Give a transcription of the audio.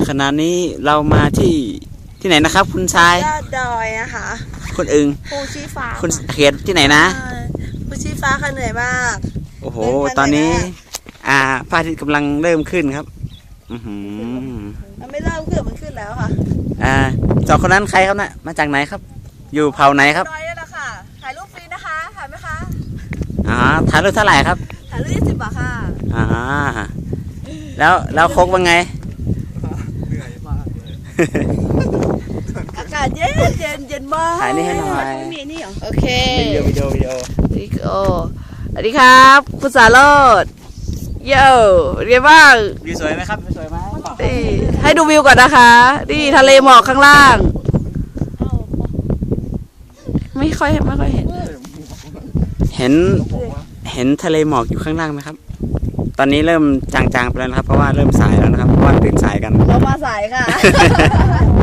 ขณะนี้เรามาที่ไหนนะครับคุณชายยอดดอยนะคะคุณอึงภูชีฟ้าคุณเขตที่ไหนนะภูชีฟ้าค่ะเหนื่อยมากโอ้โหตอนนี้พระอาทิตย์กำลังเริ่มขึ้นครับมันไม่เริ่มขึ้นมันขึ้นแล้วค่ะสองคนนั้นใครครับนะมาจากไหนครับ อยู่เผ่าไหนครับดอยนี่แหละค่ะถ่ายรูปฟรีนะคะถ่ายไหมคะถ่ายรูปเท่าไหร่ครับถ่ายรูป20 บาทค่ะแล้วโคกว่าไงเหนื่อยมากเลยอากาศเย็นมากถ่ายนี่ให้หน่อยมีนี่เหรอโอเควิดีโอสวัสดีครับคุณสารโรจน์เย้เรียนบ้างวิวสวยไหมครับวิวสวยไหมให้ดูวิวก่อนนะคะนี่ทะเลหมอกข้างล่างไม่ค่อยเห็นทะเลหมอกอยู่ข้างล่างไหมครับตอนนี้เริ่มจางๆไปแล้วนะครับเพราะว่าเริ่มสายแล้วนะครับเพราะว่าตื่นสายกันเรามาสายค่ะ